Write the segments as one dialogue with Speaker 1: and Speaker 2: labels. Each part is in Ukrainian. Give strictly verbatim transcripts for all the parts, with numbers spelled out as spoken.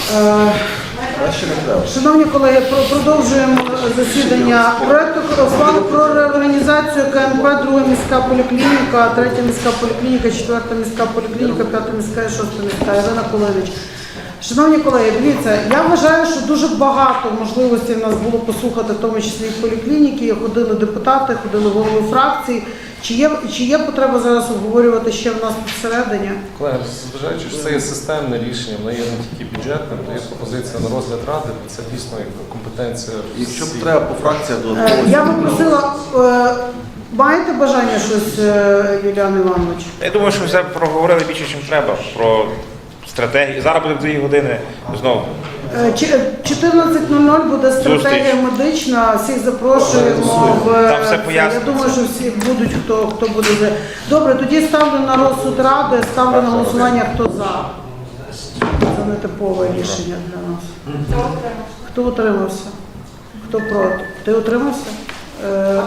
Speaker 1: Шановні колеги, продовжуємо засідання проекту ухвали про реорганізацію КНП, друга міська поліклініка, третя міська поліклініка, четверта міська поліклініка, п'ята міська і шоста міська. Ірина Колевич. Шановні колеги, дивіться, я вважаю, що дуже багато можливостей в нас було послухати, в тому числі і поліклініки, ходили депутати, ходили голови фракцій. Чи є, чи є потреба зараз обговорювати ще в нас всередині?
Speaker 2: Колеги, зважаючи, що це є системне рішення, воно є не тільки бюджетним, то є пропозиція на розгляд ради, це дійсно компетенція.
Speaker 3: Якщо б треба по фракціях до
Speaker 1: Я би просила, маєте бажання щось, Юліан Іванович?
Speaker 4: Я думаю, що все проговорили більше, ніж треба, про стратегію. Зараз буде дві години знову.
Speaker 1: чотирнадцять нуль нуль буде стратегія медична, всіх запрошуємо. В...
Speaker 4: Там все пояснено.
Speaker 1: Я думаю, що всі будуть, хто, хто буде за. Добре, тоді ставлю на розсуд ради, ставлю на голосування, хто за. Це нетипове рішення для нас. Хто утримався? Хто проти? Ти утримався? Е...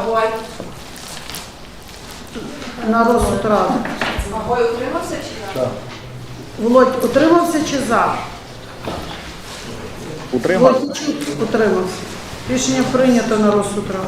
Speaker 1: На розсуд ради.
Speaker 5: Магой утримався чи так?
Speaker 1: Володь, утримався чи за?
Speaker 4: Утримався.
Speaker 1: Утримався. Рішення прийнято на розсуд ради.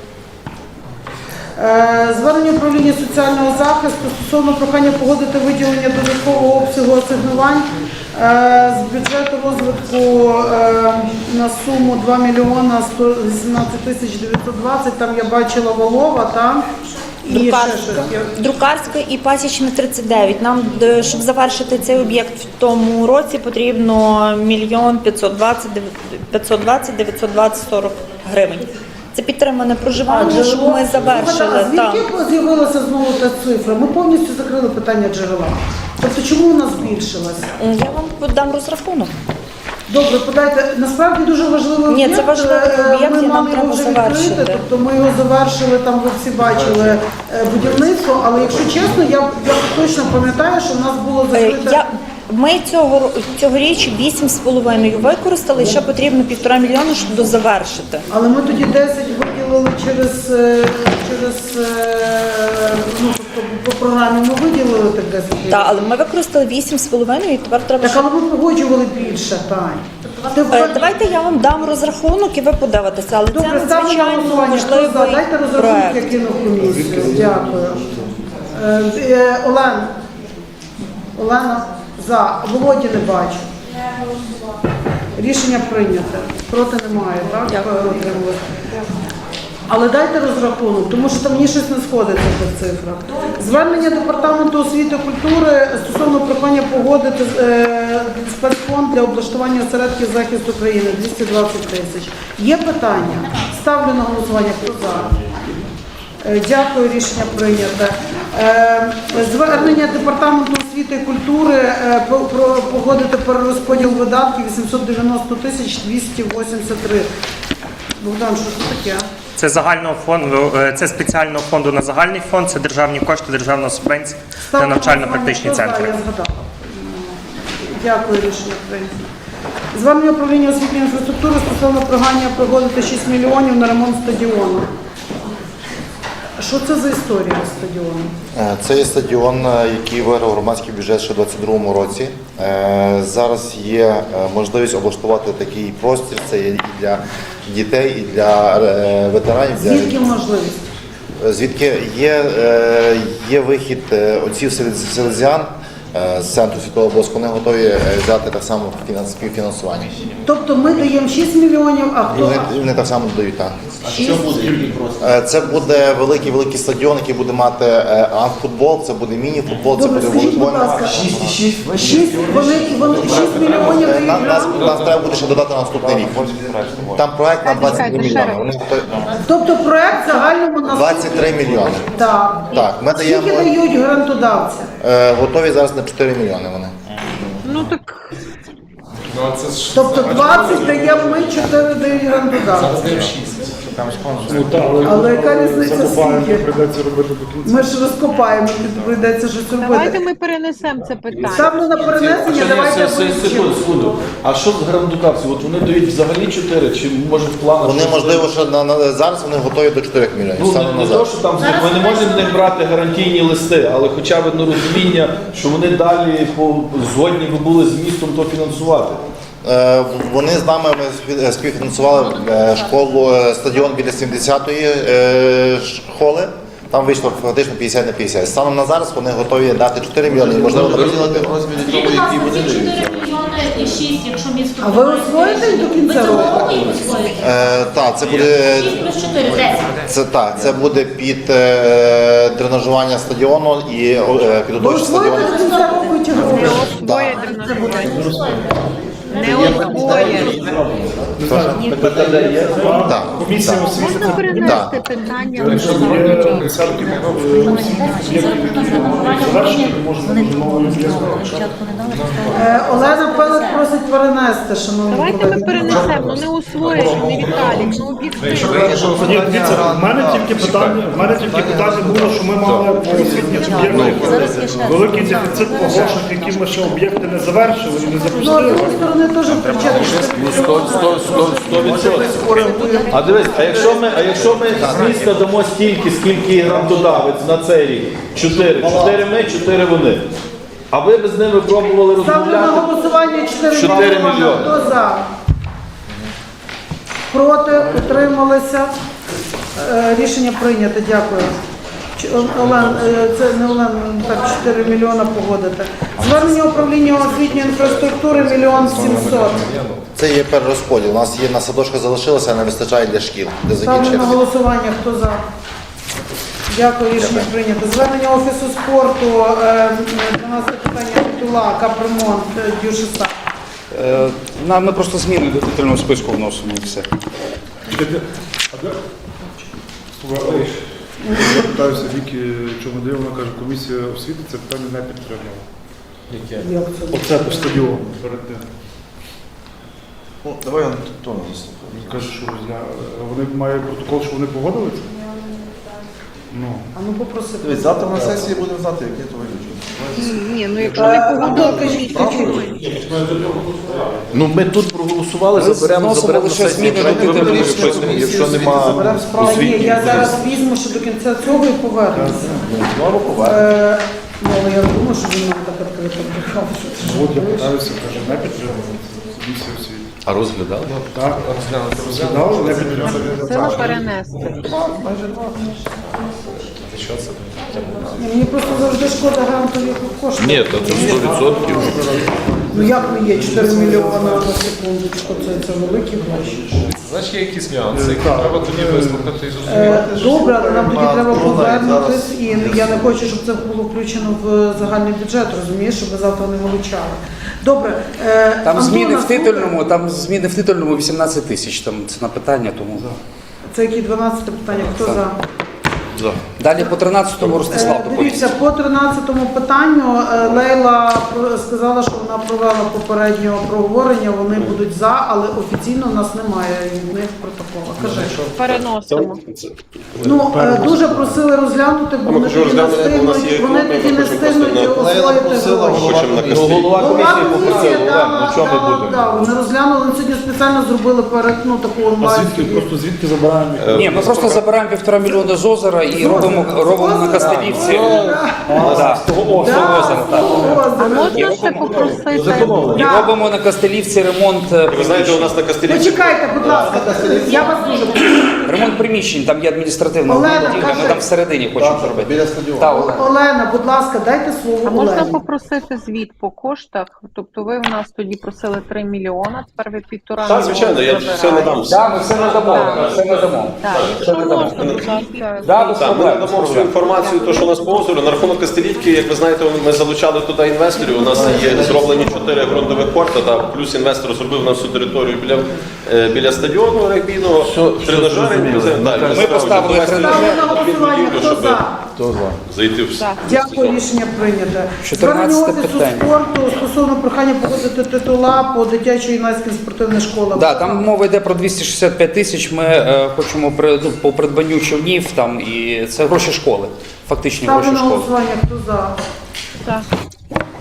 Speaker 1: Е, Звернення управління соціального захисту стосовно прохання погодити виділення додаткового обсягу асигнувань е, з бюджету розвитку е, на суму два мільйони сто вісімнадцять тисяч дев'ятсот двадцять. Там я бачила Волова, там. І
Speaker 6: Друкарська, Друкарська і Пасічна тридцять дев'ять. Нам, щоб завершити цей об'єкт в тому році, потрібно мільйон п'ятсот двадцять дев'ятсот двадцять сорок гривень. Це підтримане проживання, щоб ми завершили.
Speaker 1: А звідки з'явилася знову та цифра? Ми повністю закрили питання джерела. Тобто чому вона збільшилася?
Speaker 6: Я вам дам розрахунок.
Speaker 1: Добре, подайте. Насправді дуже важливий об'єкт.
Speaker 6: Ні, це важливий об'єкт,
Speaker 1: Ми
Speaker 6: і нам
Speaker 1: мали його
Speaker 6: треба
Speaker 1: вже
Speaker 6: завершити.
Speaker 1: відкрити, тобто ми його завершили, там ви всі бачили будівництво, але якщо чесно, я, я точно пам'ятаю, що в нас було закрите...
Speaker 6: Я, ми цього, цьогоріч вісім з половиною використали, ще потрібно півтора мільйона, щоб дозавершити.
Speaker 1: Але ми тоді десять виділили через, е, через е, ну, тобто по програмі ми виділили так десять мільйонів.
Speaker 6: Так, але ми використали вісім з половиною, і тепер треба...
Speaker 1: Так,
Speaker 6: ще-
Speaker 1: але ми погоджували більше, Тань. Ти
Speaker 6: Е,
Speaker 1: входиш-
Speaker 6: Давайте я вам дам розрахунок і ви подивитеся, але
Speaker 1: Добре,
Speaker 6: це
Speaker 1: ставлю на
Speaker 6: надзвичайно
Speaker 1: голосування. Хто за?
Speaker 6: важливий
Speaker 1: Дайте розрахунок, я
Speaker 6: проект.
Speaker 1: кину в комісію. Дякую. Е, е, Олена. Олена, за. Володі не бачу. Рішення прийнято. Проти немає, так? Отримали. Але дайте розрахунок, тому що там мені щось не сходиться по цифрах. Звернення Департаменту освіти і культури стосовно прохання погодити е, спецфонд для облаштування осередків захисту України двісті двадцять тисяч. Є питання? Ставлю на голосування. Хто за? Е, Дякую, рішення прийнято. Е, Звернення Департаменту освіти і культури е, про- про- погодити перерозподіл видатків вісімсот дев'яносто тисяч двісті вісімдесят три. Богдан, що це таке?
Speaker 7: Це загального фонду, е, це спеціального фонду на загальний фонд, це державні кошти, державна субвенція на навчально-практичні центри.
Speaker 1: Я згадала. Дякую, рішення прийнято. Звернення управління освітньої інфраструктури стосовно прохання погодити шість мільйонів на ремонт стадіону. Що це за історія стадіону?
Speaker 3: Це є стадіон, який виграв громадський бюджет ще у двадцять другому році. Е, Зараз є можливість облаштувати такий простір. Це є і для дітей, і для е, ветеранів. для-
Speaker 1: Звідки можливість?
Speaker 3: Звідки є, е, є вихід е, отців селез- селезіан е, з центру Святого Боска, вони готові е, взяти так само фінанс- співфінансування.
Speaker 1: Тобто ми даємо шість мільйонів, а
Speaker 3: І
Speaker 1: хто?
Speaker 3: вони, і вони так само додають так. Е, Це буде великий великий стадіон, який буде мати е, амфутбол, це буде міні-футбол, це
Speaker 1: Добре,
Speaker 3: буде
Speaker 1: скажіть, будь
Speaker 3: волейбольний.
Speaker 1: ласка. Шість, вони, вони шість мільйонів
Speaker 3: Е,
Speaker 1: дають
Speaker 3: на- Нас,
Speaker 1: нам?
Speaker 3: нас треба буде ще додати на наступний рік. Там проект на двадцять три мільйони. Вони готові-
Speaker 1: Тобто проект в загальному на
Speaker 3: двадцять три мільйони.
Speaker 1: Так.
Speaker 3: Так, ми даємо,
Speaker 1: Скільки дають грантодавці?
Speaker 3: е, готові зараз на чотири мільйони вони.
Speaker 5: Ну так
Speaker 2: Ну, а це ж
Speaker 1: Тобто двадцять даємо ми, чотири дають грантодавці.
Speaker 4: Там спонсор.
Speaker 1: Але яка різниця скільки? Ми ж розкопаємо, прийдеться щось
Speaker 5: давайте
Speaker 1: робити.
Speaker 5: ми перенесемо це питання.
Speaker 1: Ставлю на перенесення, давайте
Speaker 8: Секунду,
Speaker 1: вивчимо.
Speaker 8: секунду. А що з грандукавців? От вони дають взагалі чотири, чи може в планах?
Speaker 3: Вони,
Speaker 8: щось?
Speaker 3: можливо, що на, на, зараз вони готові до чотирьох мільйонів.
Speaker 8: Ну,
Speaker 3: станом
Speaker 8: не,
Speaker 3: на
Speaker 8: не то,
Speaker 3: зараз.
Speaker 8: що там ми не можемо з них брати гарантійні листи, але хоча б ну, розуміння, що вони далі по, згодні би були з містом то фінансувати.
Speaker 3: Е, Вони з нами ми спів- співфінансували е, школу, е, стадіон біля сімдесятої е, школи. Там вийшло фактично п'ятдесят на п'ятдесят. Станом на зараз вони готові дати чотири мільйони і можливо розподілити.
Speaker 9: Скажіть, будь ласка, ці чотири мільйони і шість, якщо місто...
Speaker 1: А ви освоїте до кінця
Speaker 9: Ви
Speaker 1: року?
Speaker 9: цього року їх освоїте?
Speaker 3: Е, так, це буде
Speaker 9: шість плюс чотири, десять.
Speaker 3: це так. Це буде під е, тренажування стадіону і е,
Speaker 1: Ви
Speaker 3: підготовчі
Speaker 1: освоїте
Speaker 3: стадіони.
Speaker 1: до кінця року чи ні?
Speaker 5: Освоє дренажування. Не освоє.
Speaker 8: ПКД є?
Speaker 3: Так,
Speaker 8: Комісія
Speaker 3: так.
Speaker 8: освіти.
Speaker 5: Можна перенести питання на
Speaker 8: Є десятки об'єктів, які завершені, можна новою
Speaker 1: Е, Олена Пелик просить перенести, шановні
Speaker 5: Давайте ми
Speaker 1: колеги.
Speaker 5: перенесемо, ну не освоїш, не Віталік, ну об'єктивно.
Speaker 8: Ні, дивіться, в мене тільки питання, в мене тільки питання було, що ми мали по освітніх об'єктах великий дефіцит по грошах, які ми ще об'єкти не завершили і не
Speaker 1: Ну, з
Speaker 8: запустили.
Speaker 1: іншої сторони теж включати.
Speaker 8: сто відсотків. А дивись, а якщо ми, а якщо ми з міста дамо стільки, скільки грантодавець на цей рік? Чотири. Чотири ми, чотири вони. А ви б з ними пробували
Speaker 1: Ставлю на
Speaker 8: розмовляти?
Speaker 1: голосування чотири
Speaker 8: чотири
Speaker 1: мільйони.
Speaker 8: мільйони.
Speaker 1: Хто за? Проти? Утрималися? Е, Рішення прийнято. Дякую. Ч- О- Олен, е, це не Олен, так, чотири мільйона погодити. Звернення управління освітньої інфраструктури мільйон сімсот.
Speaker 3: Це є перерозподіл. У нас є на садочках залишилося, а не вистачає для шкіл, де
Speaker 1: Ставлю на
Speaker 3: закінчити.
Speaker 1: голосування. Хто за? Дякую, рішення прийнято. Звернення Офісу спорту, е, дванадцяте питання Тула, капремонт, е, Дюшиса.
Speaker 10: Е, на- Ми просто зміни до титульного списку вносимо і все.
Speaker 11: Я питаюся Віки Чомодив, вона каже, комісія освіти це питання не підтримала.
Speaker 1: Як це?
Speaker 11: Оце по стадіону перед тим.
Speaker 8: Ну, давай я то не заслухаю.
Speaker 11: Він каже, що розгля- вони мають протокол, що вони погодили це? Ну.
Speaker 1: А ну попросити.
Speaker 8: Дивись, завтра на сесії будемо знати, яке то виключення.
Speaker 5: Ні, ну якщо не погодили,
Speaker 1: Кажіть, кажіть.
Speaker 8: Ну, ми тут проголосували,
Speaker 10: Ми
Speaker 8: заберемо,
Speaker 10: вносимо
Speaker 8: заберемо на
Speaker 10: лише
Speaker 8: сесію.
Speaker 10: зміни до
Speaker 8: Давайте
Speaker 10: титульного
Speaker 8: виберемо
Speaker 10: списку.
Speaker 8: щось, якщо нема
Speaker 1: Заберемо справу. Ні,
Speaker 8: освітніх.
Speaker 1: я зараз візьму ще до кінця цього і повернуся.
Speaker 8: Знову повернемо.
Speaker 1: Е, Ну, але я не думаю, що він нам так відкрито брехав, що це ж.
Speaker 11: От я питаюся, каже, не підтримала це комісія освіти.
Speaker 8: А розглядали?
Speaker 11: Так,
Speaker 2: Розглянути,
Speaker 11: розглядали, не підтримали.
Speaker 5: сила перенести.
Speaker 2: що це?
Speaker 1: Мені просто завжди шкода грантових коштів.
Speaker 8: Ні, то це сто відсотків.
Speaker 1: Ну як не є чотири мільйони на секундочку, це, це великі гроші.
Speaker 2: Значить, є якісь нюанси, які треба тоді вислухати і
Speaker 1: Е,
Speaker 2: зрозуміти.
Speaker 1: Добре, але нам тоді
Speaker 3: Нема
Speaker 1: треба
Speaker 3: трудно,
Speaker 1: повернутись, і
Speaker 3: зараз-
Speaker 1: я не хочу, щоб це було включено в загальний бюджет, розумієш, щоб ви завтра не вилучали. Добре. е,
Speaker 10: Там
Speaker 1: Антон,
Speaker 10: зміни в
Speaker 1: наступне.
Speaker 10: титульному, там зміни в титульному вісімнадцять тисяч, там це на питання, тому.
Speaker 1: Це які дванадцяте питання, хто за?
Speaker 10: Далі по тринадцятому
Speaker 1: Е,
Speaker 10: Ростислав доповість.
Speaker 1: Дивіться, по тринадцятому питанню е, Лейла про- сказала, що вона провела попереднє проговорення, вони будуть за, але офіційно у нас немає від них протоколу. Кажи.
Speaker 5: Переносимо.
Speaker 1: Ну, е, дуже просили розглянути, бо вони тоді не встигнуть, вони тоді не встигнуть освоїти гроші.
Speaker 8: Ну, голова
Speaker 1: Голова
Speaker 8: комісії
Speaker 1: комісії
Speaker 8: попросив, Олег,
Speaker 1: дала,
Speaker 8: ну чого ми
Speaker 1: дала,
Speaker 8: будемо?
Speaker 1: да, вони розглянули, вони сьогодні спеціально зробили перед, ну, таку
Speaker 11: А
Speaker 1: онлайн.
Speaker 11: звідки, просто звідки забираємо їх?
Speaker 10: Ні, ми просто забираємо півтора мільйона з озера і робимо, робимо на Кастелівці. Да. З того озера, так.
Speaker 5: А можна ще попросити?
Speaker 10: І робимо на Кастелівці ремонт, е,
Speaker 8: Ви знаєте, у нас на Кастелівці
Speaker 1: Почекайте, будь ласка, я вас дуже прошу.
Speaker 10: ремонт приміщень, там є адміністративна
Speaker 1: Олена,
Speaker 10: будівля,
Speaker 1: кажи.
Speaker 10: ми там всередині хочемо зробити.
Speaker 3: Біля стадіону.
Speaker 10: Так, Олена.
Speaker 1: Олена, будь ласка, дайте слово
Speaker 5: А можна
Speaker 1: Олені.
Speaker 5: попросити звіт по коштах? Тобто ви в нас тоді просили три мільйона, тепер ви півтора
Speaker 8: Так,
Speaker 5: мільйона
Speaker 8: звичайно, я все
Speaker 5: забираєте.
Speaker 8: надам.
Speaker 10: Так, ми все надамо, ми все надамо.
Speaker 5: Так, якщо можна, будь ласка.
Speaker 10: Да, без
Speaker 8: Так, ми
Speaker 10: проблем.
Speaker 8: надамо всю інформацію, то, що у нас по озеру. На рахунок Кастелівки, як ви знаєте, ми залучали туди інвесторів. У нас є зроблені чотири ґрунтових порта, та плюс інвестор зробив на всю територію біля, е, біля стадіону регбійного, тренажери.
Speaker 10: Ми поставили
Speaker 1: Ставлю на голосування, хто за?
Speaker 8: Зайти в
Speaker 5: Так.
Speaker 1: Дякую, рішення прийнято.
Speaker 10: чотирнадцяте
Speaker 1: Звернення Офісу
Speaker 10: питання.
Speaker 1: спорту стосовно прохання погодити титула по дитячо-юнацьким спортивним школам.
Speaker 10: Да, там мова йде про двісті шістдесят п'ять тисяч. Ми е, хочемо при, ну, по придбанню човнів там, і це гроші школи, фактичні
Speaker 1: Ставлю
Speaker 10: гроші
Speaker 1: на
Speaker 10: школи.
Speaker 1: голосування, хто за?
Speaker 5: Так.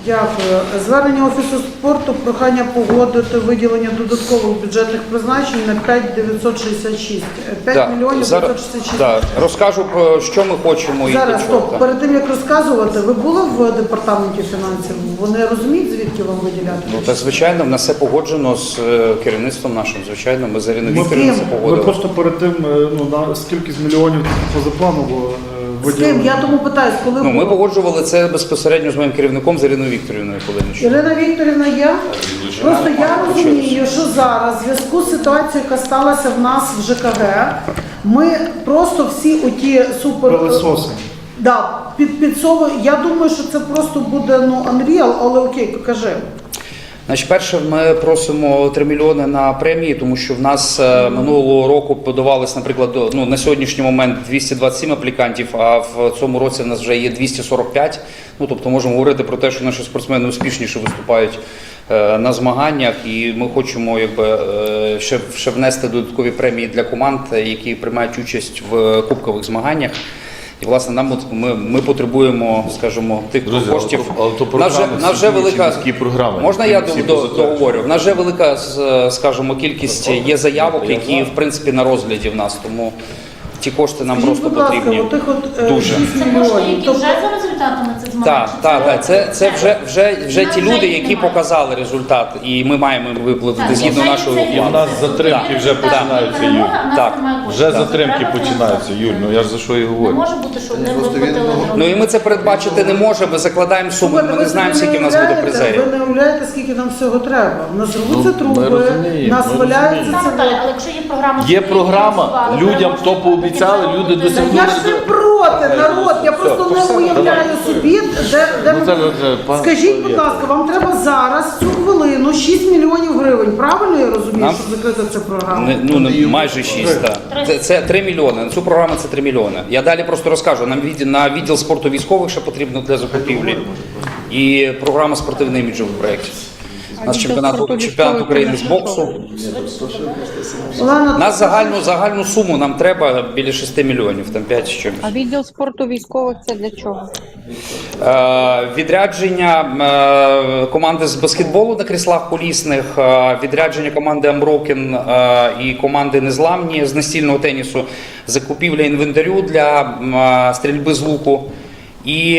Speaker 1: Дякую. Звернення Офісу спорту, прохання погодити виділення додаткових бюджетних призначень на п'ять дев'ятсот шістдесят шість. п'ять
Speaker 10: Да,
Speaker 1: мільйонів
Speaker 10: зараз-
Speaker 1: дев'ятсот шістдесят шість.
Speaker 10: да, розкажу про що ми хочемо і
Speaker 1: Зараз,
Speaker 10: для чого.
Speaker 1: стоп,
Speaker 10: так.
Speaker 1: перед тим як розказувати, ви були в департаменті фінансів? Вони розуміють, звідки вам виділяти?
Speaker 10: Ну, та звичайно, в нас все погоджено з е, керівництвом нашим. Звичайно, ми з Іриною
Speaker 11: Ми,
Speaker 10: Вікторівною це
Speaker 11: ми
Speaker 10: погодили.
Speaker 11: просто перед тим, е, ну, на скільки з мільйонів позапланово е,
Speaker 1: З ким?
Speaker 11: виділено.
Speaker 1: Я тому питаюсь, коли
Speaker 10: Ну, ми
Speaker 1: було?
Speaker 10: погоджували це безпосередньо з моїм керівником з Іриною Вікторівною Кулинич.
Speaker 1: Ірина Вікторівна, я просто я розумію, що зараз в зв'язку з ситуацією, яка сталася в нас в ЖКГ, ми просто всі оті супер...
Speaker 11: Пилососи.
Speaker 1: Да, під, підсовуємо. Я думаю, що це просто буде ну unreal, але окей, покажи.
Speaker 10: Значить, перше, ми просимо три мільйони на премії, тому що в нас е, минулого року подавалось, наприклад, до- ну, на сьогоднішній момент двісті двадцять сім аплікантів, а в цьому році в нас вже є двісті сорок п'ять. Ну, тобто можемо говорити про те, що наші спортсмени успішніше виступають е, на змаганнях, і ми хочемо якби, е, ще, ще внести додаткові премії для команд, які приймають участь в кубкових змаганнях. І, власне, нам от ми, ми потребуємо, скажімо, тих
Speaker 12: Друзі,
Speaker 10: коштів.
Speaker 12: але то- але то
Speaker 10: В нас вже-
Speaker 12: програми
Speaker 10: в нас вже
Speaker 12: всі
Speaker 10: велика
Speaker 12: міські програми,
Speaker 10: можна
Speaker 12: які
Speaker 10: я
Speaker 12: всі
Speaker 10: до- до-
Speaker 12: позатверджені.
Speaker 10: договорю? В нас вже велика, з- скажімо, кількість є заявок, які в принципі на розгляді в нас. Тому ті кошти нам
Speaker 1: Скажіть,
Speaker 10: просто
Speaker 1: будь ласка,
Speaker 10: потрібні.
Speaker 1: отих от е,
Speaker 10: Дуже.
Speaker 1: шість
Speaker 9: Це кошти,
Speaker 1: мільйонів.
Speaker 9: які
Speaker 1: Тобто-
Speaker 9: вже за результатами цих змагань?
Speaker 10: Так,
Speaker 9: Чи
Speaker 10: так, так. Це, це вже, вже, вже
Speaker 9: Нас
Speaker 10: ті
Speaker 9: вже
Speaker 10: люди,
Speaker 9: їх
Speaker 10: які
Speaker 9: немає.
Speaker 10: показали результат, і ми маємо їм виплатити
Speaker 9: Так,
Speaker 10: згідно
Speaker 9: вже
Speaker 10: нашого
Speaker 9: це є.
Speaker 10: плану.
Speaker 12: У нас затримки вже
Speaker 9: Так,
Speaker 12: починаються,
Speaker 9: перемога,
Speaker 12: Юль.
Speaker 9: в нас
Speaker 10: Так.
Speaker 9: немає коштів.
Speaker 12: Вже
Speaker 9: Треба
Speaker 12: затримки
Speaker 9: фінансувати.
Speaker 12: починаються, Юль. Ну я ж за що і
Speaker 9: Не
Speaker 12: говорю.
Speaker 9: може бути, щоб не
Speaker 3: Просто
Speaker 9: виплатили.
Speaker 3: він-
Speaker 9: гроші.
Speaker 10: Ну і ми це передбачити не можемо, ми закладаємо суму,
Speaker 1: Слухайте,
Speaker 10: ми
Speaker 1: ви
Speaker 10: не знаємо,
Speaker 1: собі
Speaker 10: скільки в нас буде
Speaker 1: уявляєте,
Speaker 10: призерів.
Speaker 1: Ви не уявляєте, скільки нам всього треба. У нас рвуться
Speaker 12: Ну,
Speaker 1: труби,
Speaker 12: ми розуміємо,
Speaker 1: нас
Speaker 12: ми
Speaker 1: валяються
Speaker 12: розуміємо.
Speaker 9: Так,
Speaker 1: це.
Speaker 9: Наталя, але якщо є програма,
Speaker 12: Є
Speaker 9: що
Speaker 12: програма,
Speaker 9: фінансували,
Speaker 12: людям
Speaker 9: можна
Speaker 12: то пообіцяли,
Speaker 9: потім
Speaker 12: люди
Speaker 9: зробити.
Speaker 12: досягнули.
Speaker 1: Я ж не проти, народ, я просто не уявляю собі, де, де
Speaker 12: Ну,
Speaker 1: ми-
Speaker 12: це вже пан-
Speaker 1: Скажіть, будь ласка, вам треба зараз, цю хвилину, шість мільйонів гривень, правильно я розумію,
Speaker 10: Нам-
Speaker 1: щоб закрити цю програму?
Speaker 10: Не, ну, не, майже шість, так. Це, це три мільйони. На цю програму це три мільйони. Я далі просто розкажу. Нам відділ, на відділ спорту військових ще потрібно для закупівлі. І програма спортивний іміджовий проєктів. У нас
Speaker 5: відділ
Speaker 10: чемпіонат,
Speaker 5: спорту
Speaker 10: чемпіонат
Speaker 5: військових
Speaker 10: України з
Speaker 5: це на
Speaker 10: боксу.
Speaker 1: Олена,
Speaker 10: Нас загальну, загальну суму нам треба біля шести мільйонів, там п'ять з чимось.
Speaker 5: А відділ спорту військових це для чого?
Speaker 10: Е, Відрядження е, команди з баскетболу на кріслах колісних, е, відрядження команди Unbroken е, і команди Незламні з настільного тенісу, закупівля інвентарю для е, стрільби з луку і,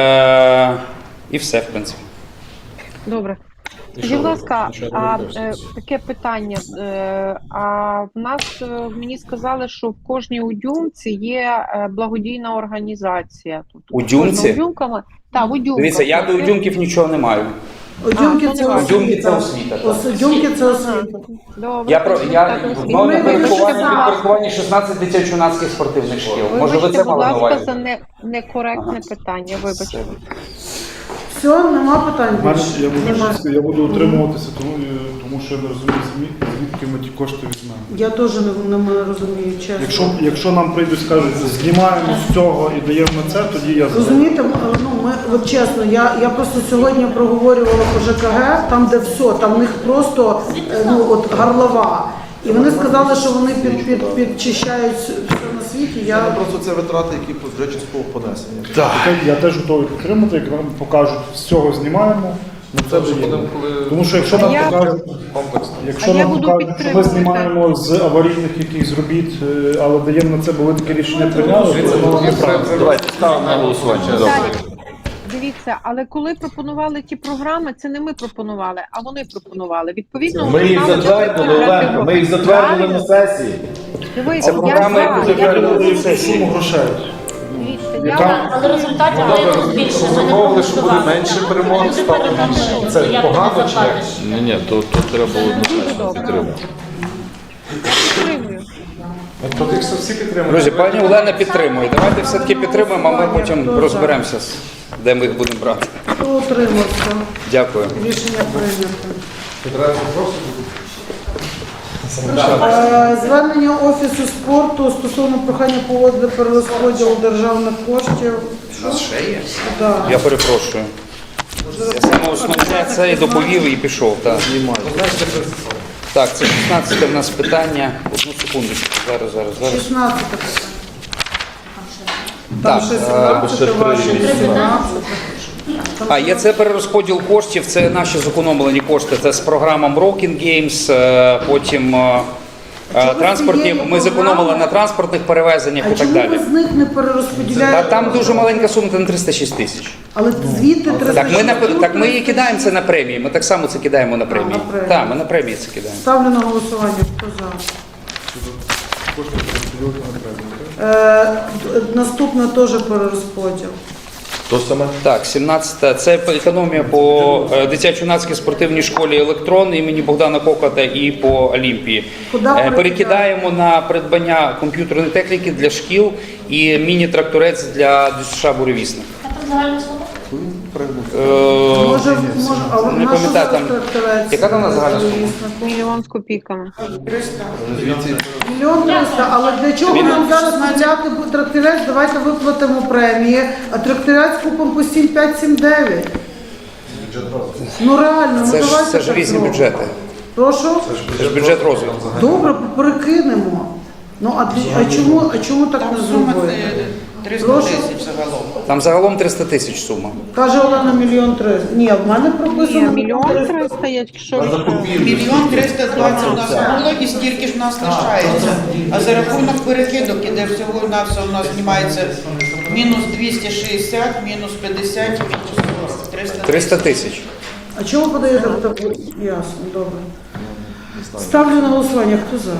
Speaker 10: е, і все, в принципі.
Speaker 5: Добре. Скажіть, будь ласка, а е, таке питання. Е, а в нас е, мені сказали, що в кожній удюмці є е, благодійна організація. Тобто
Speaker 10: У Дюмці?
Speaker 5: Удюмками. Так, в удюмках.
Speaker 10: Дивіться, я до удюмків нічого не маю.
Speaker 1: Одюмки
Speaker 5: А,
Speaker 1: це
Speaker 5: ну,
Speaker 1: освіта.
Speaker 10: Одюмки це освіта, так.
Speaker 1: Ос- Одюмки це освіта.
Speaker 5: Добре.
Speaker 10: Я про я
Speaker 5: Так,
Speaker 10: в мене
Speaker 1: Ми
Speaker 10: підпорядкування
Speaker 1: вирішили.
Speaker 10: підпорядкування шістнадцять дитячо-юнацьких спортивних шкіл. Може, ви
Speaker 5: Вибачте,
Speaker 10: це
Speaker 5: будь
Speaker 10: мали на
Speaker 5: ласка,
Speaker 10: увазі?
Speaker 5: за не, некоректне питання. Вибачте.
Speaker 1: Все, нема питань
Speaker 11: Мене-
Speaker 1: більше.
Speaker 11: Я буду,
Speaker 1: Нема.
Speaker 11: я буду утримуватися, тому, е, тому що я не розумію, зві- звідки ми ті кошти візьмемо.
Speaker 1: Я теж не, не розумію, чесно.
Speaker 11: Якщо, якщо нам прийдуть, скажуть, знімаємо з цього і даємо на це, тоді я за.
Speaker 1: Розумієте, м, ну ми от чесно, я, я просто сьогодні проговорювала по ЖКГ, там де все, там в них просто е, ну от горлова. І вони сказали, що вони під, під, підчищають все на світі. Я
Speaker 3: Просто це витрати, які вже частково понесені.
Speaker 11: Я- Я теж готовий підтримати, як нам покажуть, з цього знімаємо. На це
Speaker 2: Вже
Speaker 11: даємо.
Speaker 2: будемо, коли
Speaker 11: Тому що якщо
Speaker 5: А
Speaker 11: нам
Speaker 5: я-
Speaker 11: покажуть,
Speaker 2: комплексно.
Speaker 11: якщо
Speaker 5: А я
Speaker 11: нам
Speaker 5: буду
Speaker 11: покажуть, що ми
Speaker 5: підтримувати.
Speaker 11: знімаємо з аварійних якихось робіт, е, але даємо на це, бо ви таке рішення прийняли, то воно неправильно.
Speaker 12: Давайте ставимо на голосування. Добре.
Speaker 5: Далі. Дивіться, але коли пропонували ті програми, це не ми пропонували, а вони пропонували. Відповідно,
Speaker 12: Ми
Speaker 5: вони
Speaker 12: їх
Speaker 5: знали,
Speaker 12: затвердили,
Speaker 5: що це
Speaker 12: Оленко, ми їх затвердили на сесії.
Speaker 5: Дивіться,
Speaker 10: Це
Speaker 5: я
Speaker 10: програми,
Speaker 5: за,
Speaker 10: яку
Speaker 5: я
Speaker 10: затвердили
Speaker 5: думаю,
Speaker 10: на
Speaker 11: Суму грошей.
Speaker 5: дивіться,
Speaker 11: Яка-
Speaker 5: я
Speaker 9: Але результатів виявилось більше. Ми не
Speaker 2: Замовили, що буде
Speaker 9: проголосували.
Speaker 2: менше
Speaker 9: Нам
Speaker 2: перемог,
Speaker 9: люди
Speaker 2: стало
Speaker 9: передали,
Speaker 2: більше.
Speaker 9: що
Speaker 2: Це
Speaker 9: як ти
Speaker 2: погано
Speaker 9: не
Speaker 2: чи
Speaker 9: заплатиш.
Speaker 12: Ні, ні, то, то треба було однозначно підтримати.
Speaker 5: підтримую.
Speaker 2: Тоді все всі підтримують.
Speaker 10: Друзі, пані Олена підтримує. Давайте все-таки підтримуємо, а ми потім розберемося, де ми їх будемо брати.
Speaker 1: хто утримався.
Speaker 10: Дякую.
Speaker 1: Рішення прийнято.
Speaker 2: Одразу просто
Speaker 1: Е, Звернення Офісу спорту стосовно прохання погодити перерозподіл державних коштів.
Speaker 10: У нас ще є?
Speaker 1: Да.
Speaker 10: Я перепрошую. Я саме основне це і доповів, і пішов. Так, так це шістнадцяте в нас питання. Одну секундочку. Зараз, зараз, зараз.
Speaker 1: шістнадцяте питання. Там
Speaker 10: Так,
Speaker 1: ще
Speaker 10: е,
Speaker 1: сімнадцяте,
Speaker 12: ще три,
Speaker 1: ваше
Speaker 12: вісімнадцяте.
Speaker 1: сімнадцяте.
Speaker 10: А є це перерозподіл коштів, це наші зекономлені кошти. Це з програмам Rocking Games, е, потім е, е, транспортні. Ми зекономили на транспортних перевезеннях
Speaker 1: А
Speaker 10: і так
Speaker 1: чому
Speaker 10: далі.
Speaker 1: ви з них не
Speaker 10: Та
Speaker 1: перерозподіляєте?
Speaker 10: там дуже маленька сума, це на триста шість тисяч.
Speaker 1: Але звідти
Speaker 10: Так ми, на,
Speaker 1: триста
Speaker 10: так ми і кидаємо це на премії. Ми так само це кидаємо на премії.
Speaker 1: на премії.
Speaker 10: Так, ми на премії це кидаємо.
Speaker 1: Ставлю на голосування. Хто за? Е, наступне теж перерозподіл.
Speaker 12: То саме?
Speaker 10: Так, сімнадцяте. Це економія по е, дитячо-юнацькій спортивній школі «Електрон» імені Богдана Кокота і по Олімпії.
Speaker 1: Куди
Speaker 10: Е, Перекидаємо на придбання комп'ютерної техніки для шкіл і міні-тракторець для ДЮСШ «Буревісник».
Speaker 9: А там загальна сума?
Speaker 10: Е,
Speaker 1: Може, може, а от
Speaker 10: не
Speaker 1: наша
Speaker 10: пам'ятаю, там-
Speaker 1: тракторець,
Speaker 10: яка там у нас загальна сума?
Speaker 5: Мільйон з копійками.
Speaker 1: Мільйон триста, але для чого нам зараз купляти тракторець? Давайте виплатимо премії, а тракторець купимо по сім п'ять сім дев'ять. Ну реально, ну
Speaker 10: Це ж,
Speaker 1: давайте
Speaker 10: це ж
Speaker 1: так
Speaker 10: різні
Speaker 1: зробимо.
Speaker 10: бюджети.
Speaker 1: Прошу?
Speaker 10: Це ж бюджет розвитку.
Speaker 1: Добре, перекинемо. Ну а, для- а чому, а чому так не зробити? Прошу?
Speaker 10: Там загалом триста тисяч сума.
Speaker 1: Каже Олена, мільйон триста. Ні, в мене
Speaker 5: Ні,
Speaker 1: прописано
Speaker 5: мільйон триста, якщо
Speaker 13: Мільйон триста двадцять у нас було і стільки ж в нас лишається. А за рахунок перекидок іде всього на все у нас знімається мінус двісті шістдесят, мінус п'ятдесят, мінус сорок.
Speaker 10: триста тисяч.
Speaker 1: А чого ви подаєте в таку? Ясно, добре. Ставлю на голосування. Хто за?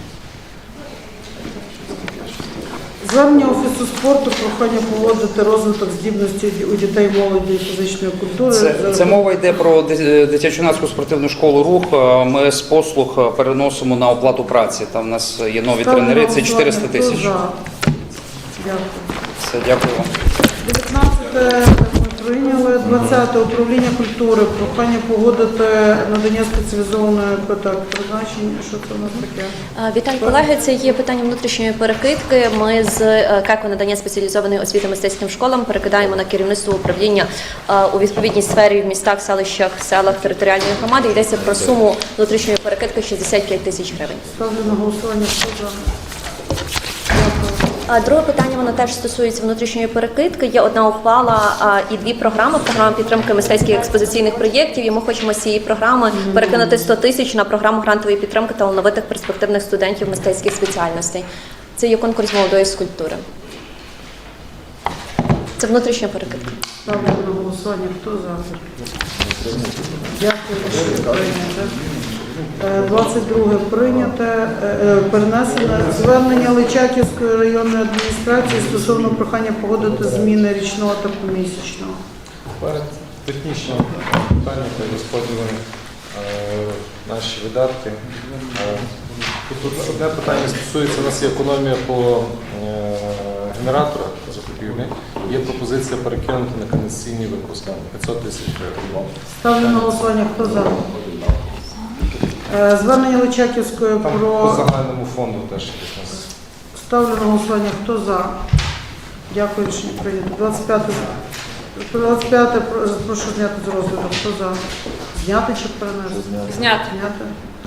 Speaker 1: Звернення Офісу спорту, прохання поводити розвиток здібності у дітей, молоді і фізичної культури.
Speaker 10: Це, це мова йде про ди- дитячо-юнацьку спортивну школу «Рух». Е, Ми з послуг переносимо на оплату праці. Там у нас є нові
Speaker 1: Ставлю на
Speaker 10: тренери, це чотириста
Speaker 1: голосування.
Speaker 10: тисяч.
Speaker 1: Хто за? Дякую.
Speaker 10: Все, дякую вам.
Speaker 1: дев'ятнадцяте ми прийняли. двадцяте управління культури. Прохання погодити надання спеціалізованої так, призначення. Що це у нас таке?
Speaker 14: Вітаю, колеги. Це є питання внутрішньої перекидки. Ми з КЕКО надання спеціалізованої освіти мистецьким школам перекидаємо на керівництво управління е, у відповідній сфері в містах, селищах, селах територіальної громади. Йдеться про суму внутрішньої перекидки шістдесят п'ять тисяч гривень.
Speaker 1: Ставлю на голосування. Хто за?
Speaker 14: А друге питання, воно теж стосується внутрішньої перекидки. Є одна ухвала а, і дві програми. Програма підтримки мистецьких експозиційних проєктів. І ми хочемо з цієї програми перекинути сто тисяч на програму грантової підтримки талановитих перспективних студентів мистецьких спеціальностей. Це є конкурс молодої скульптури. Це внутрішня перекидка.
Speaker 1: Ставлю на голосування. Хто за? Дякую. Рішення прийнято. Е, двадцять друге прийняте. Е, е, Перенесене звернення Личаківської районної адміністрації стосовно прохання погодити зміни річного та помісячного.
Speaker 2: Перед технічним питанням та розподілом е, наші видатки. Е, Тут одне питання стосується, у нас є економія по е, генераторах закупівлі. Є пропозиція перекинути на кондиційні випуски п'ятсот тисяч гривень.
Speaker 1: Ставлю на голосування. Хто за? Е, Звернення Личаківської
Speaker 2: Там по
Speaker 1: про...
Speaker 2: загальному фонду теж якось у нас.
Speaker 1: Ставлю на голосування. Хто за? Дякую, рішення прийнято. двадцять п'яте. двадцять п'яте про- прошу зняти з розгляду. Хто за? Зняти чи перенести?
Speaker 6: Зняти.
Speaker 1: Зняти.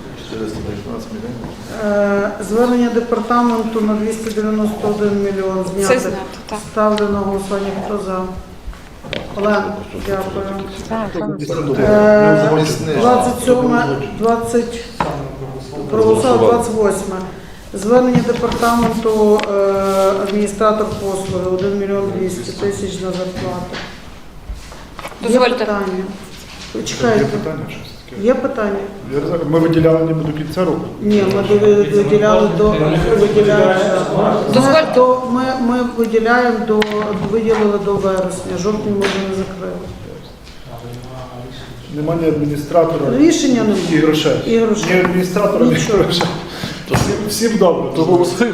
Speaker 1: Е, Звернення департаменту на двісті дев'яносто один мільйон зняти.
Speaker 6: Це зняти, так.
Speaker 1: Ставлю на голосування. Хто за? Олена, дякую.
Speaker 5: так,
Speaker 1: Е, двадцять сьоме, двадцять, проголосували двадцять восьме. Звернення департаменту е, адміністратор послуги один мільйон двісті тисяч на зарплату. Є
Speaker 6: Дозвольте.
Speaker 1: питання?
Speaker 11: Є
Speaker 1: Чекайте.
Speaker 11: питання щось таке?
Speaker 1: Є питання?
Speaker 11: Я не знаю, Ми виділяли ніби до кінця року.
Speaker 1: Ні, ми ви- виділяли до виділяємо,
Speaker 6: Дозвольте.
Speaker 1: до ми, ми виділяємо до виділили до вересня. Жовтень ми вже не закрили.
Speaker 11: Нема ні адміністратора,
Speaker 1: Рішення
Speaker 11: і
Speaker 1: немає.
Speaker 11: грошей.
Speaker 1: І грошей.
Speaker 11: Ні адміністратора, ні
Speaker 1: Нічого.
Speaker 11: грошей. Всім, всім добре, то голосуємо.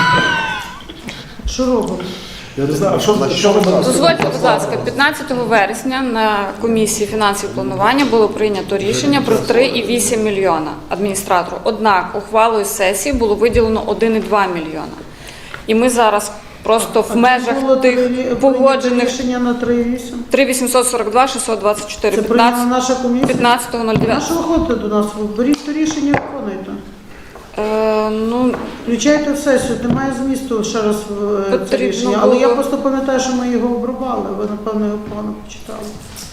Speaker 1: Що робимо?
Speaker 11: Я не знаю, а що, що ви зараз?
Speaker 15: Дозвольте, будь ласка, п'ятнадцятого вересня на комісії фінансів планування було прийнято рішення про три і вісім мільйона адміністратору. Однак ухвалою сесії було виділено один і два мільйона. І ми зараз просто в межах
Speaker 1: Було
Speaker 15: тих
Speaker 1: прийнято
Speaker 15: погоджених
Speaker 1: рішення на три вісім.
Speaker 15: три вісімсот сорок два шістсот двадцять чотири
Speaker 1: Це прийняла наша комісія.
Speaker 15: п'ятнадцятого
Speaker 1: На
Speaker 15: дев'ятого.
Speaker 1: що ви ходите до нас? Ви беріть то рішення, виконуйте.
Speaker 15: Е, ну,
Speaker 1: Включайте в сесію, немає змісту ще раз е, це
Speaker 15: Потрібно
Speaker 1: рішення. Але я
Speaker 15: було-
Speaker 1: просто пам'ятаю, що ми його обрубали. Ви, напевно, його погано почитали.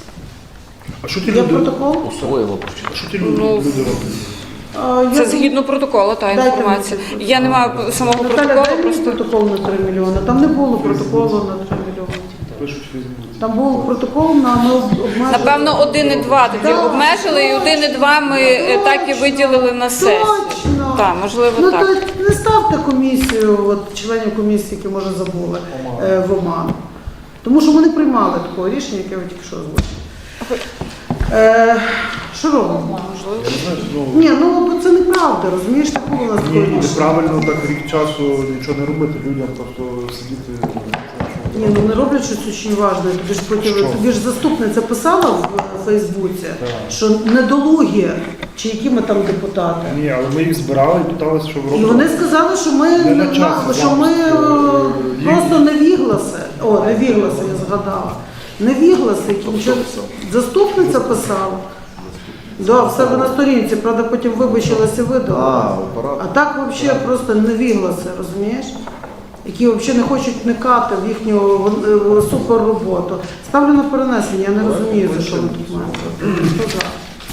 Speaker 11: А що ті
Speaker 1: Є
Speaker 11: люди?
Speaker 1: протокол?
Speaker 12: Усвоїло.
Speaker 11: А що ті люди,
Speaker 15: Ну,
Speaker 11: люди роблять?
Speaker 1: А, я
Speaker 15: Це
Speaker 1: думаю-
Speaker 15: згідно протоколу, та
Speaker 1: Дайте
Speaker 15: інформація.
Speaker 1: мені
Speaker 15: Я не маю самого
Speaker 1: Наталя,
Speaker 15: протоколу,
Speaker 1: дай мені
Speaker 15: просто
Speaker 1: протокол на три мільйони. Там не було протоколу на три мільйони.
Speaker 11: Пишуть візьмуть.
Speaker 1: Там був протокол на ми обмежили.
Speaker 15: напевно один і два тоді
Speaker 1: Так,
Speaker 15: обмежили, і один і два ми е, так і виділили на сесію.
Speaker 1: Точно.
Speaker 15: Так, можливо,
Speaker 1: Ну
Speaker 15: так.
Speaker 1: то не ставте комісію, от членів комісії, які може забули е, в оману. Тому що ми не приймали такого рішення, яке ви тільки що озвучили. Е, Що робимо?
Speaker 11: Я не знаю, ну,
Speaker 1: Ні, ну бо це неправда, розумієш, не було у нас такого
Speaker 11: ні,
Speaker 1: рішення.
Speaker 11: неправильно так рік часу нічого не робити, людям просто сидіти.
Speaker 1: Ні, ну не роблять щось дуже важливе. Тобі ж потім
Speaker 11: Що?
Speaker 1: тобі ж заступниця писала в Фейсбуці, що недолугі, чи які ми там депутати.
Speaker 11: Ні, але ми їх збирали і питалися, що
Speaker 1: І
Speaker 11: робити.
Speaker 1: вони сказали, що ми,
Speaker 11: Не на
Speaker 1: на-
Speaker 11: часі,
Speaker 1: що ми
Speaker 11: зараз.
Speaker 1: е,
Speaker 11: Їх-
Speaker 1: просто невігласи. О, невігласи, я згадала. Невігласи, які нічого... Заступниця писала. Да, в себе на сторінці, правда, потім вибачилася і видала. А так взагалі просто невігласи, розумієш? Які взагалі не хочуть вникати в їхню е, супер роботу. Ставлю на перенесення, я не розумію, за що ми тут маємо. Хто за?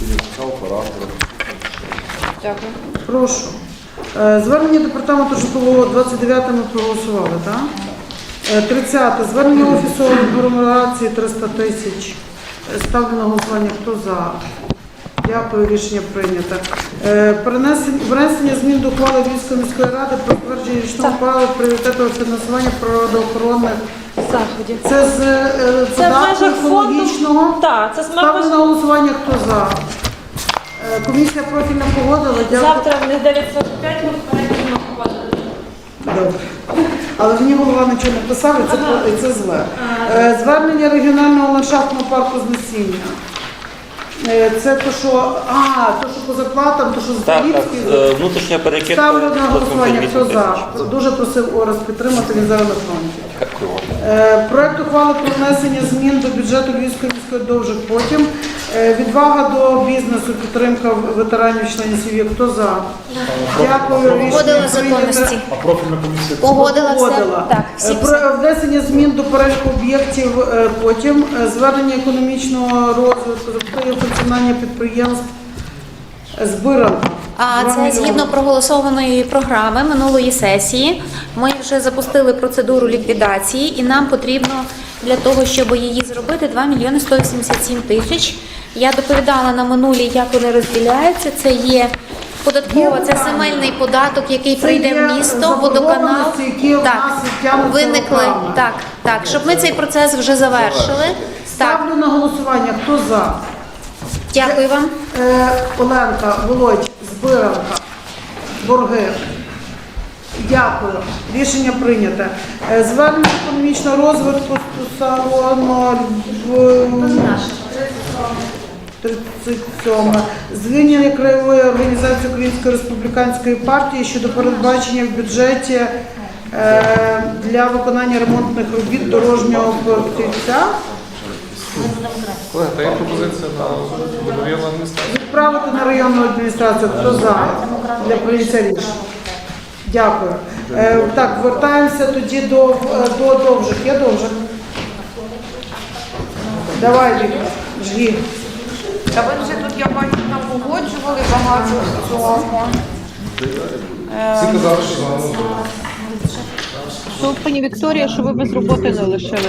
Speaker 15: Дякую.
Speaker 1: Прошу. Е, Звернення департаменту житлового двадцять дев'яте ми проголосували, так? Е, тридцяте. Звернення офісу агломерації триста тисяч. Е, Ставлю на голосування. Хто за? Дякую, рішення прийнято. Е, перенесення, внесення змін до ухвали Львівської міської ради про затвердження річного плану пріоритетного фінансування природоохоронних
Speaker 6: Заходів.
Speaker 1: Це з е,
Speaker 6: Це в
Speaker 1: податку
Speaker 6: межах фонду.
Speaker 1: екологічного.
Speaker 6: Так, це з
Speaker 1: Ставлю
Speaker 6: межах-
Speaker 1: на голосування. Хто за? Е, комісія профільна погодила. Дякую.
Speaker 6: Завтра в них дев'ять сорок п'ять ми перейдемо проводити.
Speaker 1: Добре. Але мені голова нічого не писав, і це, і це зле. Е, Звернення регіонального ландшафтного парку з насіння. Е, Це то, що, а, то, що по зарплатам, то, що з
Speaker 16: Так, так,
Speaker 1: Львівської.
Speaker 16: е, внутрішня перекидка.
Speaker 1: Ставлю на голосування, хто
Speaker 16: вісім
Speaker 1: за.
Speaker 16: тисяч.
Speaker 1: Дуже просив Орес підтримати, він зараз на фронті.
Speaker 16: Дякую.
Speaker 1: Е, Проект ухвали про внесення змін до бюджету Львівської міської довжих потім. Е, Відвага до бізнесу, підтримка ветеранів, членів сім'ї. Хто за? Дякую. Рішення
Speaker 6: Погодила
Speaker 1: прийнято.
Speaker 6: законності.
Speaker 11: А профільна комісія
Speaker 6: Погодила все.
Speaker 1: Погодила.
Speaker 6: Так, всі
Speaker 1: Е, Про внесення змін до переліку об'єктів е, потім. Е, Звернення економічного розвитку, запитання функціонування підприємств. Е, Збирано.
Speaker 6: А
Speaker 1: Два
Speaker 6: це згідно
Speaker 1: мільйони.
Speaker 6: проголосованої програми минулої сесії. Ми вже запустили процедуру ліквідації, і нам потрібно для того, щоб її зробити, два мільйони сто вісімдесят сім тисяч. Я доповідала на минулій, як вони розділяються. Це є податкова, це земельний податок, який
Speaker 1: Це
Speaker 6: прийде
Speaker 1: є
Speaker 6: в місто, водоканал.
Speaker 1: заборгованості, які в
Speaker 6: Так,
Speaker 1: нас відтягнуться
Speaker 6: виникли.
Speaker 1: роками.
Speaker 6: Так, так, щоб ми цей процес вже завершили. Так,
Speaker 1: Ставлю на голосування. Хто за?
Speaker 6: дякую вам.
Speaker 1: Е, Оленка, Володь, Збиранка, борги. Дякую. Рішення прийнято. Е, Звернення економічного розвитку стосовно тридцять сьоме. Звільнення краєвої організації Української республіканської партії щодо передбачення в бюджеті е, для виконання ремонтних робіт дорожнього покриття.
Speaker 2: Колеги, та є пропозиція на районну адміністрацію.
Speaker 1: Відправити на районну адміністрацію. Хто за? Для прийняття рішення. Дякую. Е, так, вертаємося тоді до, е, до довжих. Є довжих? Давай, Віка, жги.
Speaker 13: Та ви вже тут, я бачу, нам погоджували багато цього.
Speaker 2: Всі казали, що за
Speaker 5: Що, пані Вікторія, що ви без роботи не лишилися?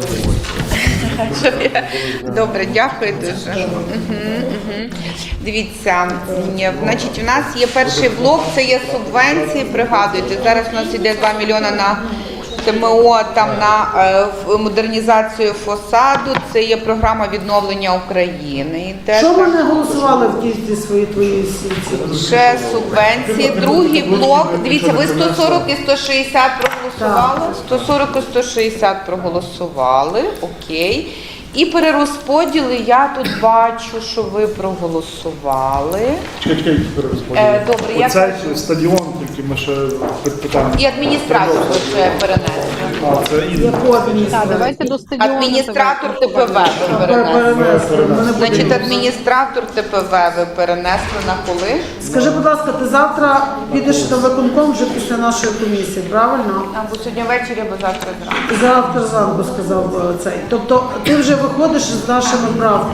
Speaker 13: Добре, дякую дуже. Угу, угу. Дивіться, ні, значить, у нас є перший блок, це є субвенції. Пригадуйте, зараз у нас йде два мільйони на ТМО, там на е, в- модернізацію фасаду. Це є програма відновлення України. Йде
Speaker 1: Що ми
Speaker 13: там.
Speaker 1: не голосували в кількості свої твої сільці?
Speaker 13: Ще субвенції. Другий блок. Дивіться, ви сто сорок і сто шістдесят проголосували. сто сорок і сто шістдесят проголосували. Окей. І перерозподіли я тут бачу, що ви проголосували.
Speaker 11: Чекай, чекай, перерозподіл.
Speaker 13: Е, добре, я
Speaker 11: Оцей
Speaker 13: кажу.
Speaker 11: стадіон, тільки ми ще питання.
Speaker 13: І адміністратор вже перенесли.
Speaker 11: А, це і...
Speaker 1: Яку адміністрацію?
Speaker 5: Так, давайте до стадіону.
Speaker 13: Адміністратор ТПВ ви перенесли.
Speaker 1: Перенесли. Мене буде
Speaker 13: Значить,
Speaker 1: більше.
Speaker 13: адміністратор ТПВ ви перенесли на коли?
Speaker 1: Скажи, будь ласка, ти завтра підеш на виконком вже після нашої комісії, правильно?
Speaker 13: Або сьогодні ввечері, або завтра зранку.
Speaker 1: Завтра зранку сказав е, цей. Тобто ти вже виходиш з нашими правками.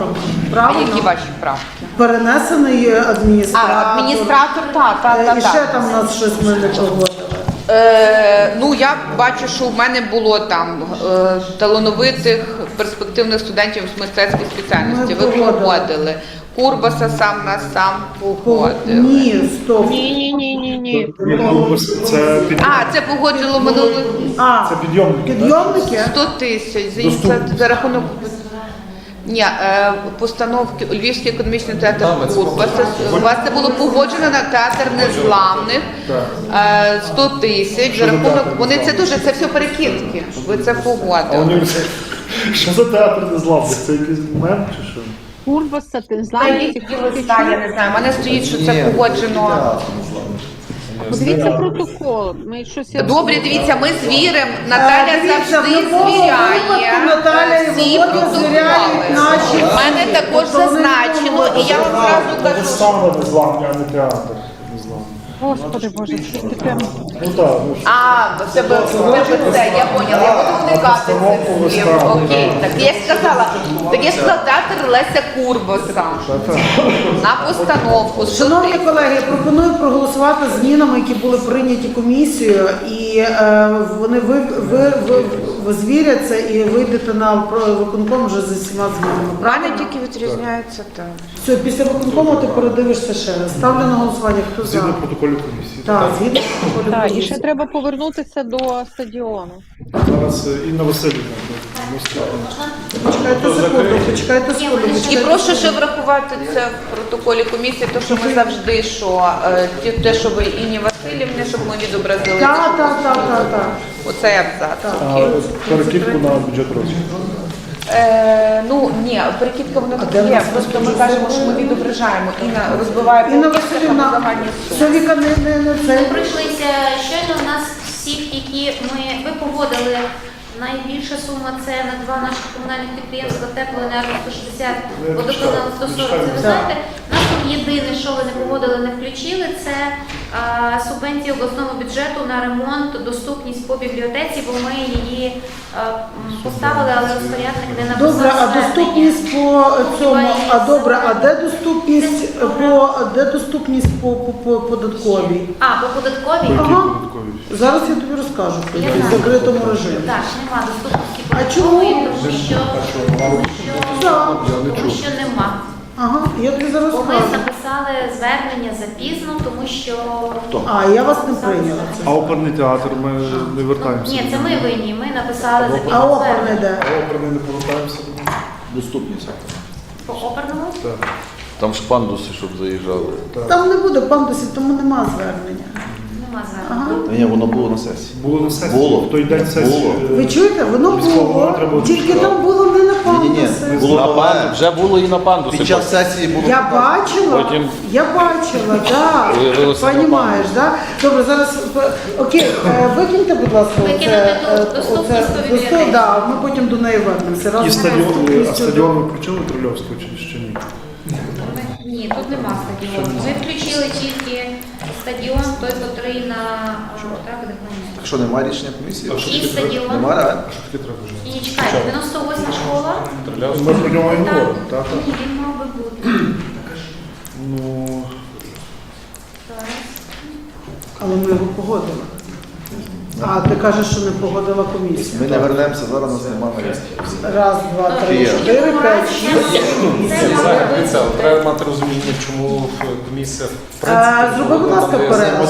Speaker 16: А
Speaker 1: Правильно?
Speaker 16: які ваші правки?
Speaker 1: Перенесений адміністратор.
Speaker 16: А, адміністратор, так, так,
Speaker 1: Е,
Speaker 16: так.
Speaker 1: І ще там у нас щось ми не погодили.
Speaker 16: Е, ну, я бачу, що в мене було там е, талановитих перспективних студентів з мистецької спеціальності. Ви
Speaker 1: погодили.
Speaker 16: погодили. Курбаса сам на сам погодили.
Speaker 1: Ні, стоп.
Speaker 5: Ні, ні, ні, ні, ні.
Speaker 11: Це під...
Speaker 16: А, це погодило минулих
Speaker 1: А,
Speaker 11: Це підйомники.
Speaker 1: підйомники?
Speaker 16: сто тисяч за,
Speaker 11: Доступно.
Speaker 16: за, за рахунок. Ні, е, постановки у Львівський економічний театр Курбаса. У вас це було погоджено на театр незламних. Е, сто тисяч за рахунок. Вони це дуже, це все перекидки. Ви це
Speaker 11: А
Speaker 16: погодили.
Speaker 11: вони... Що за театр незламних? Це якийсь мем чи що?
Speaker 5: Курбаса, ти
Speaker 16: Та
Speaker 5: знаєш,
Speaker 16: є якісь листа, я не знаю. У мене стоїть, що це погоджено.
Speaker 5: подивіться протокол. Ми щось я-
Speaker 16: Добре, дивіться, ми звіримо. Наталя
Speaker 1: Е, дивіться,
Speaker 16: завжди
Speaker 1: в любому
Speaker 16: звіряє
Speaker 1: випадку Наталя і
Speaker 16: всі
Speaker 1: Володя звіряють
Speaker 16: протоколи.
Speaker 1: наші
Speaker 16: У мене також
Speaker 1: Тобто вони
Speaker 16: зазначено, і я вам зразу кажу, що
Speaker 11: Вистава незламні, а не театр незламний.
Speaker 5: Господи Боже, що ти прям...
Speaker 11: Ну так, ну що.
Speaker 16: а, в тебе в тебе це, я поняла, я буду уникати цих слів. Окей, так я ж сказала, так я ж сказала театр Леся Курбаса на постановку.
Speaker 1: Шановні колеги, я пропоную проголосувати змінами, які були прийняті комісією, і е, вони ви, ви, ви, ви звіряться і вийдете на про- виконком вже з усіма змінами.
Speaker 16: У мене тільки відрізняється так.
Speaker 1: Все, після виконкому ти передивишся ще раз. Ставлю на голосування, хто за?
Speaker 11: Згідно протоколів комісії.
Speaker 1: Так, згідно протоколю
Speaker 5: Так, і
Speaker 1: комісії.
Speaker 5: ще треба повернутися до стадіону.
Speaker 11: Зараз е, Інна Васильівна. ну,
Speaker 1: Почекайте секунду, почекайте секунду.
Speaker 16: І
Speaker 1: почекайте
Speaker 16: прошу ще
Speaker 1: секунду.
Speaker 16: врахувати це в протоколі комісії, то що ми завжди, що е, ті- те, що ви Інні Васильівні, щоб ми відобразили.
Speaker 1: Так, так, так, так, так.
Speaker 16: Оцей абзац.
Speaker 11: А
Speaker 16: Окей.
Speaker 11: перекидку на бюджет розвитку.
Speaker 16: Е, ну ні, перекидка воно так є. Просто ми кажемо, що ми відображаємо. Інна розбиває
Speaker 1: Інна
Speaker 16: полківка на
Speaker 1: Васильівна,
Speaker 16: загальні суми.
Speaker 1: все, Віка, не, не, не це.
Speaker 9: Ми пройшлися щойно у нас всіх, які ми ви погодили. Найбільша сума це на два наших комунальних підприємства теплоенерго сто шістдесят, водоканал сто сорок. Це ви знаєте, нас тут єдине, що ви не погодили, не включили, це а, субвенція обласного бюджету на ремонт, доступність по бібліотеці, бо ми її а, м, поставили, але розпорядник не написав.
Speaker 1: Добре, а
Speaker 9: звернення.
Speaker 1: доступність по цьому, а добре, а де доступність по де доступність по, по, по податковій?
Speaker 9: А, по податковій?
Speaker 1: Ага. Зараз я тобі розкажу в
Speaker 9: Я знаю.
Speaker 1: закритому режимі.
Speaker 9: Так, нема доступності
Speaker 1: А чому?
Speaker 9: податкової, тому що, тому що,
Speaker 1: Так.
Speaker 9: тому що нема.
Speaker 1: Ага, я тобі зараз
Speaker 9: Бо ми
Speaker 1: скажу.
Speaker 9: написали звернення запізно, тому що...
Speaker 1: А, я вас не прийняла. Це.
Speaker 11: А оперний театр ми не вертаємося.
Speaker 9: Ні, це ми винні, ми написали
Speaker 1: А
Speaker 9: запізно
Speaker 1: оперне
Speaker 9: звернення.
Speaker 1: де?
Speaker 11: А оперний не повертаємося.
Speaker 12: Доступність.
Speaker 9: По оперному?
Speaker 11: Так.
Speaker 12: Там ж пандуси, щоб заїжджали.
Speaker 1: Там не буде пандусів, тому нема звернення.
Speaker 9: Нема звернення.
Speaker 1: Ага.
Speaker 3: Ні, воно було на сесії.
Speaker 11: Було на сесії.
Speaker 3: Було.
Speaker 11: В той день сесії.
Speaker 3: Було.
Speaker 11: е,
Speaker 1: Ви чуєте, воно
Speaker 11: Військового треба
Speaker 1: було,
Speaker 11: було
Speaker 1: тільки
Speaker 11: читати.
Speaker 1: там було не на
Speaker 3: Ні-ні-ні,
Speaker 1: пандуси.
Speaker 3: було
Speaker 12: На
Speaker 3: нове.
Speaker 12: панду, вже було і на пандуси.
Speaker 3: Під час сесії було.
Speaker 1: Я бачила,
Speaker 12: Потім-
Speaker 1: я бачила, так.
Speaker 12: Виявилося
Speaker 1: Понімаєш, так? Добре, зараз, е, окей, е, викиньте, будь ласка,
Speaker 9: Викинути
Speaker 1: оце,
Speaker 9: ту
Speaker 1: е,
Speaker 9: доступність
Speaker 1: оце-
Speaker 9: по
Speaker 1: доступ-
Speaker 9: бібліотеці.
Speaker 1: да, ми потім до неї вернемося.
Speaker 11: І
Speaker 1: Разом з
Speaker 11: стадіон, а
Speaker 1: доступністю
Speaker 11: стадіон ви включили Трильовського чи ще ні?
Speaker 9: Ні, тут нема стадіону. Ми включили тільки стадіон, той, котрий на так, де планує.
Speaker 3: Що, немає рішення комісії?
Speaker 9: І стадіон.
Speaker 3: Немає, реально?
Speaker 11: Що таке треба вже?
Speaker 9: І чекайте, дев'яносто восьма школа.
Speaker 11: Ми про нього і
Speaker 9: Так.
Speaker 11: говоримо, так?
Speaker 9: Ні, він мав би бути.
Speaker 11: Ну,
Speaker 9: Зараз.
Speaker 1: Але ми його погодили. А ти кажеш, що не погодила комісія.
Speaker 3: Ми не вернемося, зараз у нас немає рішення.
Speaker 1: Раз, два, три,
Speaker 3: Є.
Speaker 1: чотири, п'ять, шість, сім, вісім.
Speaker 2: Дивіться, треба мати розуміння, чому комісія в принципі
Speaker 1: Е, Зроби, будь ласка,
Speaker 2: дає
Speaker 1: перерву.